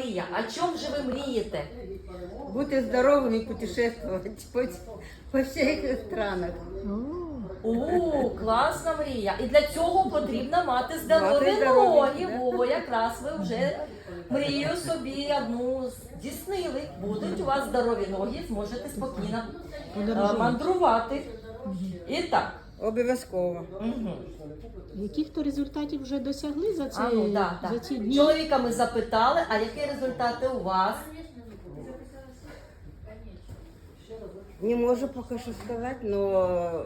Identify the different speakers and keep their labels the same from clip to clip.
Speaker 1: мрія. О чому же ви мрієте?
Speaker 2: Бути здоровим і путешествувати по всіх странах.
Speaker 1: О, класна мрія. І для цього потрібно мати здорові
Speaker 2: Мати здорові,
Speaker 1: ноги.
Speaker 2: да.
Speaker 1: О, якраз ви вже мрію собі одну здійснили. Будуть у вас здорові ноги, зможете спокійно мандрувати. І так.
Speaker 2: Обов'язково.
Speaker 1: Угу.
Speaker 3: Яких то результатів вже досягли за ці, за ці дні?
Speaker 1: Чоловіка ми запитали, а які результати у вас?
Speaker 2: Не можу поки що сказати, але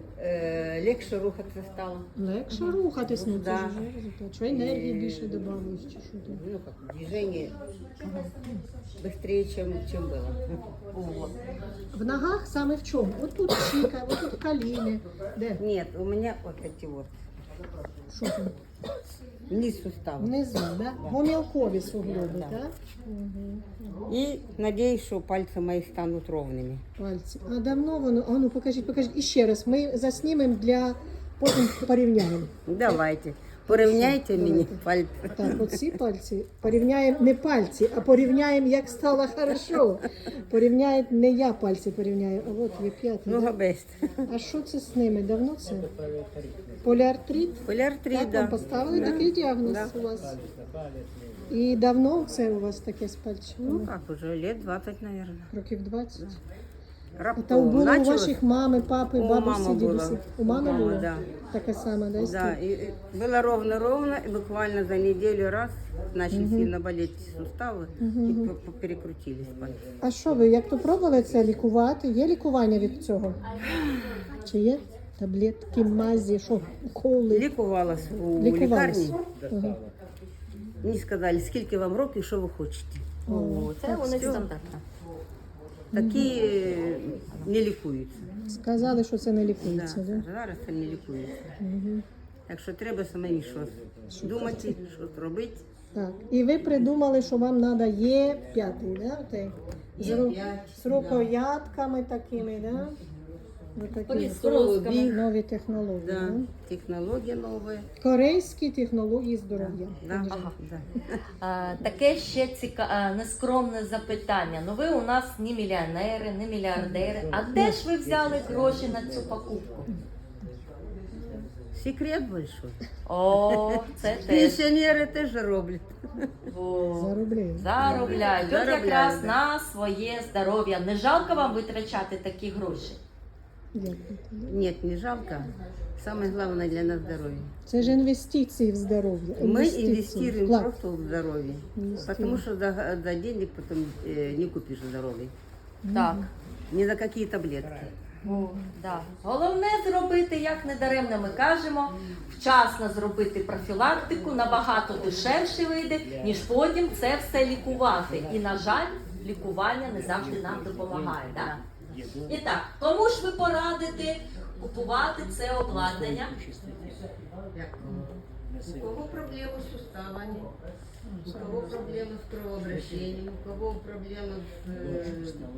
Speaker 2: легше рухатися стало.
Speaker 3: Легше рухатись, ну це
Speaker 2: Да.
Speaker 3: ж вже результат. Що енергії більше додавалось, чи що там?
Speaker 2: Ну как, движение быстрее, чем было.
Speaker 1: О.
Speaker 3: В ногах саме в чому? От тут щіка, от тут коліни. Де?
Speaker 2: Нет, у меня вот эти вот,
Speaker 3: Що там?
Speaker 2: низ сустава.
Speaker 3: Внизу, да? Гомілкові суглоби, так?
Speaker 2: И надеюсь, что пальцы мои станут ровными.
Speaker 3: Пальці. А давно воно? А ну покажіть. І ще раз. Ми заснімемо для потім порівняємо.
Speaker 2: Давайте, порівняйте мені пальці.
Speaker 3: Так, оці пальці порівняємо не пальці, а порівняємо, як стало хорошо. Порівняємо, не я пальці порівняю, а от є п'ятий.
Speaker 2: Ну,
Speaker 3: да?
Speaker 2: габест.
Speaker 3: А що це з ними? Давно це? Поліартрит?
Speaker 2: Поліартрит,
Speaker 3: Так,
Speaker 2: да.
Speaker 3: вам поставили такий діагноз у вас? І давно це у вас таке з
Speaker 2: Ну,
Speaker 3: пальчиками?
Speaker 2: как уже, лет 20, наверное.
Speaker 3: Років 20? Та
Speaker 2: Раптом
Speaker 3: було у
Speaker 2: началось.
Speaker 3: ваших мами, папи,
Speaker 2: У
Speaker 3: бабусі,
Speaker 2: мами
Speaker 3: дідусі?
Speaker 2: було.
Speaker 3: У мами
Speaker 2: Мама,
Speaker 3: було?
Speaker 2: да.
Speaker 3: Таке саме, да?
Speaker 2: Да, и было ровно-ровно, и буквально за неделю раз начали сильно болеть суставы, и перекрутились пальцы.
Speaker 3: А що ви, як то пробували це лікувати? Є лікування від цього? Чи є? Таблетки, мазі, що, уколи?
Speaker 2: Лікувалась у
Speaker 3: Лікувались?
Speaker 2: лікарні.
Speaker 3: Ага.
Speaker 2: Мені сказали, скільки вам років, що ви хочете.
Speaker 1: О, це у них
Speaker 2: все.
Speaker 1: стандартно.
Speaker 2: Такі не лікуються.
Speaker 3: Сказали, що це не
Speaker 2: Да,
Speaker 3: лікується, да?
Speaker 2: зараз це не лікується. Так що треба самі щось думати, щось робити.
Speaker 3: Так. І ви придумали, що вам треба Є5, да? Отей? З рукоятками такими, да? Отакі
Speaker 2: Біг.
Speaker 3: нові технології.
Speaker 2: Да,
Speaker 3: Да?
Speaker 2: технології нові.
Speaker 3: Корейські технології здоров'я.
Speaker 2: Да,
Speaker 1: Ага.
Speaker 2: да.
Speaker 1: Таке ще нескромне запитання. Ну ви у нас не мільйонери, не мільярдери. А де ж ви взяли гроші на цю покупку?
Speaker 2: Секрет большой.
Speaker 1: О, це теж.
Speaker 2: Пенсіонери теж роблять.
Speaker 1: О,
Speaker 3: Заробляють.
Speaker 1: заробляють. От
Speaker 2: Заробляють,
Speaker 1: якраз
Speaker 2: да.
Speaker 1: на своє здоров'я. Не жалко вам витрачати такі гроші?
Speaker 3: Дякую.
Speaker 2: Нет, не жалко. Самое главное для нас здоровье.
Speaker 3: Це ж інвестиції в здоров'я.
Speaker 2: Мы
Speaker 3: Інвестиції.
Speaker 2: инвестируем
Speaker 3: Вклад.
Speaker 2: просто в здоровье. Потому что за денег потом не купишь здоровье.
Speaker 1: Так.
Speaker 2: Ни за какие таблетки.
Speaker 1: О, да. Головне зробити, як недаремно ми кажемо, вчасно зробити профілактику, набагато дешевше вийде, ніж потім це все лікувати. І, на жаль, лікування не завжди нам допомагає. Да? І так, кому ж ви порадите купувати це обладнання?
Speaker 2: У кого проблемы с суставами, у кого проблемы с кровообращением, у кого проблемы с